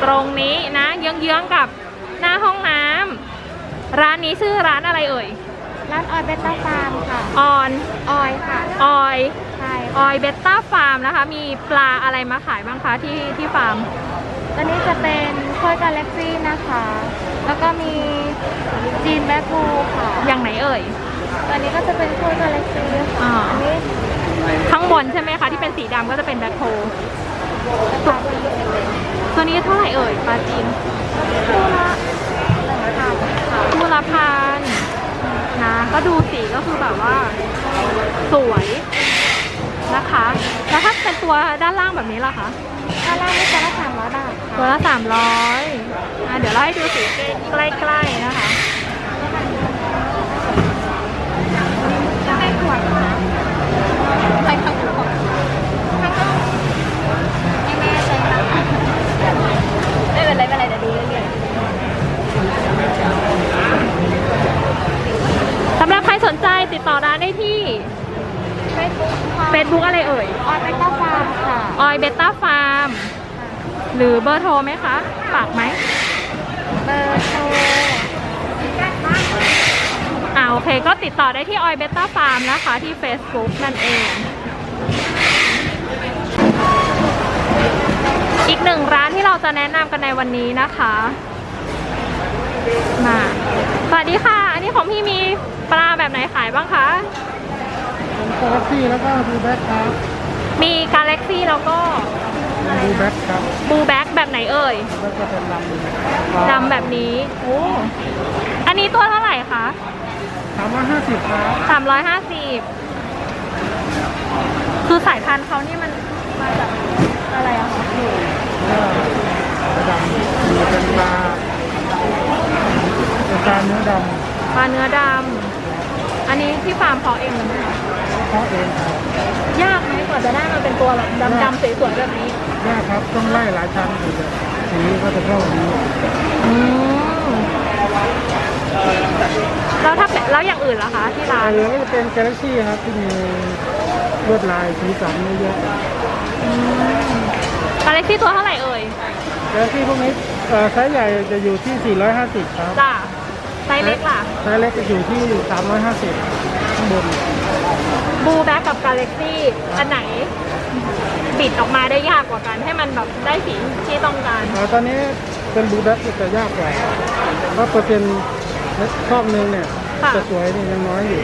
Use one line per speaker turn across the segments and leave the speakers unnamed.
ตรงนี้นะเยื้องๆกับหน้าห้องน้ำร้านนี้ชื่อร้านอะไรเอ่ย
ร้านออยเบต้าฟาร์มค่ะ
อ
อยค่ะ
ออย
ใช่
ออยเบต้าฟาร์มนะคะมีปลาอะไรมาขายบ้างคะที่ฟาร์ม
ตอนนี้จะเป็นโค้ยกาแล็กซี่นะคะแล้วก็มีจีนแบล็คบูค่ะ
อย่างไหนเอ่ย
ตอนนี้ก็จะเป็นโค้ยกาแล็กซี่ค่ะอันนี้
ข้างบนใช่ไหมคะที่เป็นสีดำก็จะเป็นแบล็คโฮตัวนี้เท่าไหร่เอ่ยปลาจีนคู่ละพันนะก็ดูสีก็คือแบบว่าสวยนะคะแล้วถ้าเป็นตัวด้านล่างแบบนี้ล่ะคะ
ด้านล่างนี่ตัวละ300 บาท
ตัวละ300เดี๋ยวเราให้ดูสีใกล้ๆนะคะ
จะให้ขวดนะใครทำขวดไม่แน่ใจนะไม่เป็นไรเดี๋ยวดูเรื่อย
สำหรับใครสนใจติดต่อร้านได้ที่ Facebook อะไรเอ่ย
ออยเบต้าฟาร์มค่ะ
ออยเบต้าฟาร์มหรือเบอร์โทรไหมคะฝากไหม
เบอร์โทร
โอเคก็ติดต่อได้ที่ออยเบต้าฟาร์มนะคะที่ Facebook นั่นเองอีกหนึ่งร้านที่เราจะแนะนำกันในวันนี้นะคะมาสวัสดีค่ะอันนี้ของพี่มีปลาแบบไหนขายบ้างคะ
กาแล็กซี่แล้วก็บูแบ็คครับ
มีกาแล็กซี่แล้วก็
บูแบ็คครับ
บูแบ็คแบบไหนเอ่ย
แล้วก็เป็น
ดำแบบนี้โอ้อันนี้ตัวเท่าไหร่คะ
350ครับ
350คือสายพันธุ์เขานี่มันมาจากอะไรอะคะ
ดำเป็นปลาเนื้อด
ำปลาเนื้อดำอันนี้ที่ฟาร์มเพาะเองเลยไหมคะ
เพาะเองครับ
ยากไหมกว่าจะได้มาเป็นตัวแบบดำๆสวยๆแบบนี้
ยากครับต้องไล่หลายชั้นถึงจะสีก็จะเข้าดี
แล้วอย่างอื่นล่ะคะที่ร้าน
ก็จะเป็นกาแล็กซี่ครับที่มีลวดลายสีสันเยอะ
กาแล็กซี่ตัวเท่าไหร่เอ่ย
กาแล็กซี่พวกนี้ไซส์ใหญ่จะอยู่ที่450ครับ
จ้าไซส์เล็กล่ะ
ไซส์เล็กจะอยู่ที่350ข้างบน
บูแบ็กกับกาแล็กซี่อันไหนบิดออกมาได้ยากกว่ากันให้มันแบบได้สีที่ต้องการ
ตอนนี้เป็นบูแบ็กจะยากกว่าเพราะเปอร์เซ็นต์ช่องนึงเนี่ยจะสวยนี่ยังน้อยอยู่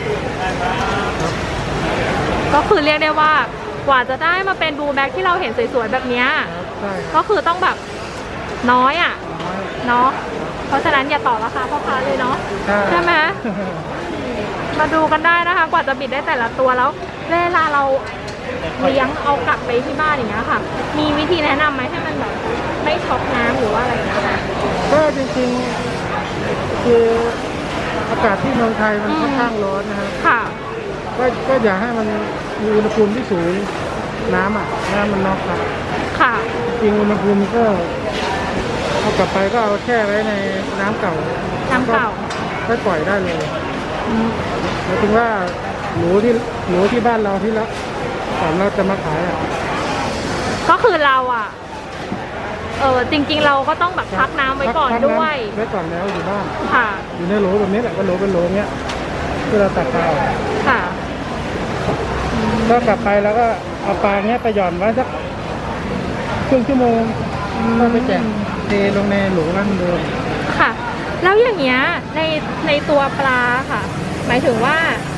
ก็คือเรียกได้ว่ากว่าจะได้มาเป็นบูแบ็กที่เราเห็นสวยๆแบบนี้ก็คือต้องแบบน้อยอ่ะเนาะเพราะฉะนั้นอย่าต่อราคาพ่อค้าเลยเนาะใช่ไหมมาดูกันได้นะคะกว่าจะบิดได้แต่ละตัวแล้วเวลาเราเลี้ยงเอากลับไปที่บ้านอย่างเงี้ยค่ะมีวิธีแนะนำไหมให้มันแบบไม่ช็อกน้ำหรือว่าอะไรนะคะ
ก็จริงๆคืออากาศที่เมืองไทยมันค่อนข้างร้อนนะครับ
ค่ะ
ก็อย่าให้มันมีอุณหภูมิที่สูงน้ำมันน็อกครับ
ค่ะ
จริงอุณหภูมิก็เอากลับไปก็เอาแช่ไว้ในน้ำเก่าก็ปล่อยได้เลยหมายถึงว่าหนูที่บ้านเราที่ละก่อนเราจะมาขาย
ก็คือเราจริงๆเราก็ต้องแบบพักน้ำไว้ก่อนด้วย
ไว้ก่อนแล้วอยู่บ้าน
ค่ะ
อยู่ในโหลแบบนี้แหละก็โหลเป็นโหลเนี้ยที่เราตัดปลา
ค่ะ
ก็กลับไปแล้วก็เอาปลาเนี้ยไปหย่อนไว้สักครึ่งชั่วโมงก็ไปแจกเทลงในโหลนั่นเดิม
ค่ะแล้วอย่างเงี้ยในตัวปลาค่ะหมายถึงว่า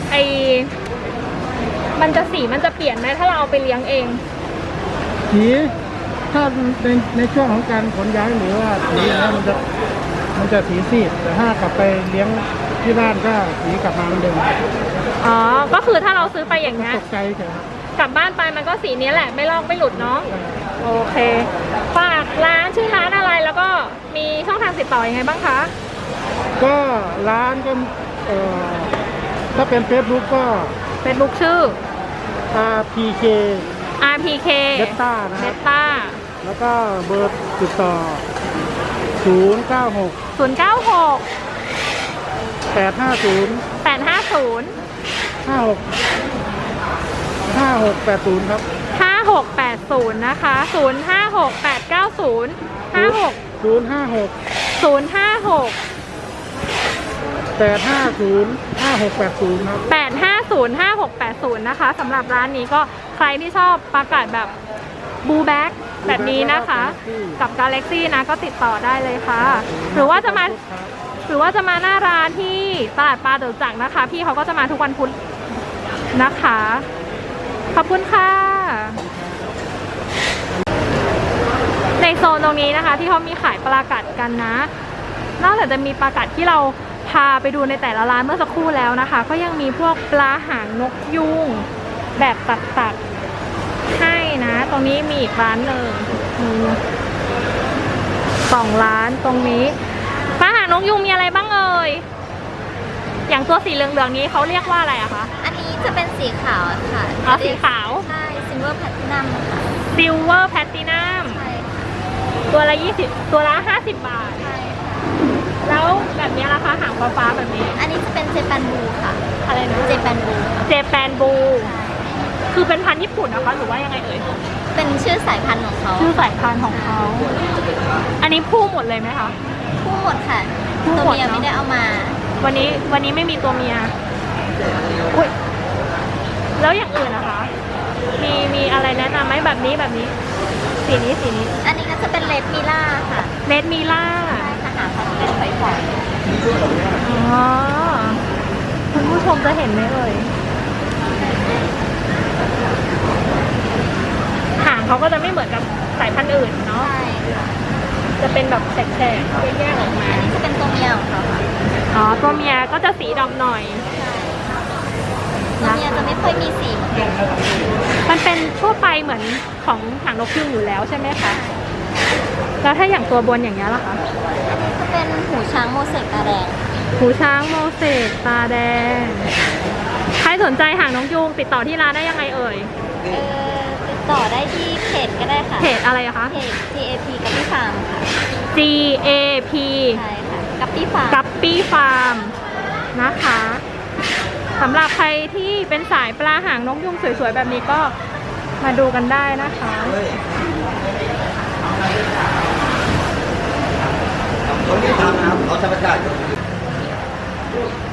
มันจะสีมันจะเปลี่ยนไหมถ้าเราเอาไปเลี้ยงเอง
สีถ้าในช่วงของการขนย้ายหรือว่าสีนี้มันจะสีซีดแต่ถ้ากลับไปเลี้ยงที่บ้านก็สีกลับมาเหมือนเดิม
ก็คือถ้าเราซื้อไปอย่างเงี้ย
ตกใจใช่ไหม
กลับบ้านไปมันก็สีนี้แหละไม่ลอกไม่หลุดเนาะโอเคฝากร้านชื่อร้านอะไรแล้วก็มีช่องทางติดต่อยังไงบ้างคะ
ก็ร้านก็ถ้าเป็น Facebook ก็
Facebook ชื่อ
RPK เบต้านะ
เบต้า
แล้วก็เบอร์ติดต่อ096 850 5680ครับ
5680นะคะ0568905680
056
056
850 5680ครับ
8505680นะคะสำหรับร้านนี้ก็ใครที่ชอบปลากัดแบบบูแบ็กแบบนี้นะคะ กับ Galaxy นะก็ติดต่อได้เลยค่ะ หรือว่าจะมาหน้าร้านที่ตลาดปลาจตุจักรนะคะ พี่เขาก็จะมาทุกวันพุธนะคะ ขอบคุณค่ะ ในโซนตรงนี้นะคะที่เขามีขายปลากัดกันนะ นอกจากจะมีปลากัดที่เราพาไปดูในแต่ละร้านเมื่อสักครู่แล้วนะคะ ก็ยังมีพวกปลาหางนกยูงแบบตัดๆให้นะ ตรงนี้มีอีกร้านหนึ่งมี2 ร้านตรงนี้ปลาหางนกยูงมีอะไรบ้างเอ่ยอย่างตัวสีเหลืองๆนี้เขาเรียกว่าอะไรอะคะ
อันนี้จะเป็นสีขาวค่ะ
อ๋อสีขาว
ใช่ซิลเวอร์แพลตินัมค่ะ
ซิลเวอร์แพลตินัม
ใช่ค่ะ
ตัวละ20 ตัวละ50 บาท
ใช่ค่ะ
แล้วแบบนี้ราคาหางฟ้าๆแบบนี้
อันนี้จะเป็นเจแปนบูค่ะ
อะไรนะ
เจแปนบูค่ะ
เจแปนบูคือเป็นพันธุ์ญี่ปุ่นนะคะหรือว่ายังไงเอ่ย
เป็นชื่อสายพันธุ์ของเขา
ชื่อสายพันธุ์ของเขา อันนี้ผู้หมดเลยไหมคะ
คู่หมดค่ะ
คู่
ตัว
หมด
เมีย
เนอะ
ไม่ได้เอามา
วันนี้ไม่มีตัวเมียอุ๊ยแล้วอย่างอื่นนะคะ มีอะไรแนะนำไหมแบบนี้สีนี้
อันนี้ก็จะเป็นเลดมิล่าค่ะ
เลดมิล่า
ใช่ค่ะหางเขาจะเป็นฝอย
อ๋อคุณผู้ชมจะเห็นไหมเอ่ยหางเขาก็จะไม่เหมือนกับสายพันธุ์อื่น
ๆ
เนาะ
ใช่ค่ะ
จะเป็นแบบแฉกๆแยกๆออกมา
อันนี้จะเป็นตัวเมียของเขาค่ะ
อ๋อตัวเมียก็จะสีดำหน่อย
ตัวเมียจะไม่ค่อยมีสีเหมือนกัน
มันเป็นทั่วไปเหมือนของหางนกยูงอยู่แล้วใช่ไหมคะ แล้วถ้าอย่างตัวบนอย่างนี้ยล่ะคะ
จะเป็นหูช้างโมเสกตาแดง
หูช้างโมเสกตาแดง ใครสนใจหางนกยูงติดต่อที่ร้านได้ยังไงเอ่ย
ติดต่อได้ที่เพจก็ได้ค่ะ
เพจอะไรอะคะ
เพจ GAP กับพี่ฟาร์มค่ะ
GAP
ใช่ค่ะ กับพี่ฟาร์ม
กัปปี้ฟาร์มนะคะสำหรับใครที่เป็นสายปลาหางนกยูงสวยๆแบบนี้ก็มาดูกันได้นะคะ
เขาไม่ทำนะครับเขาธรรมชาติ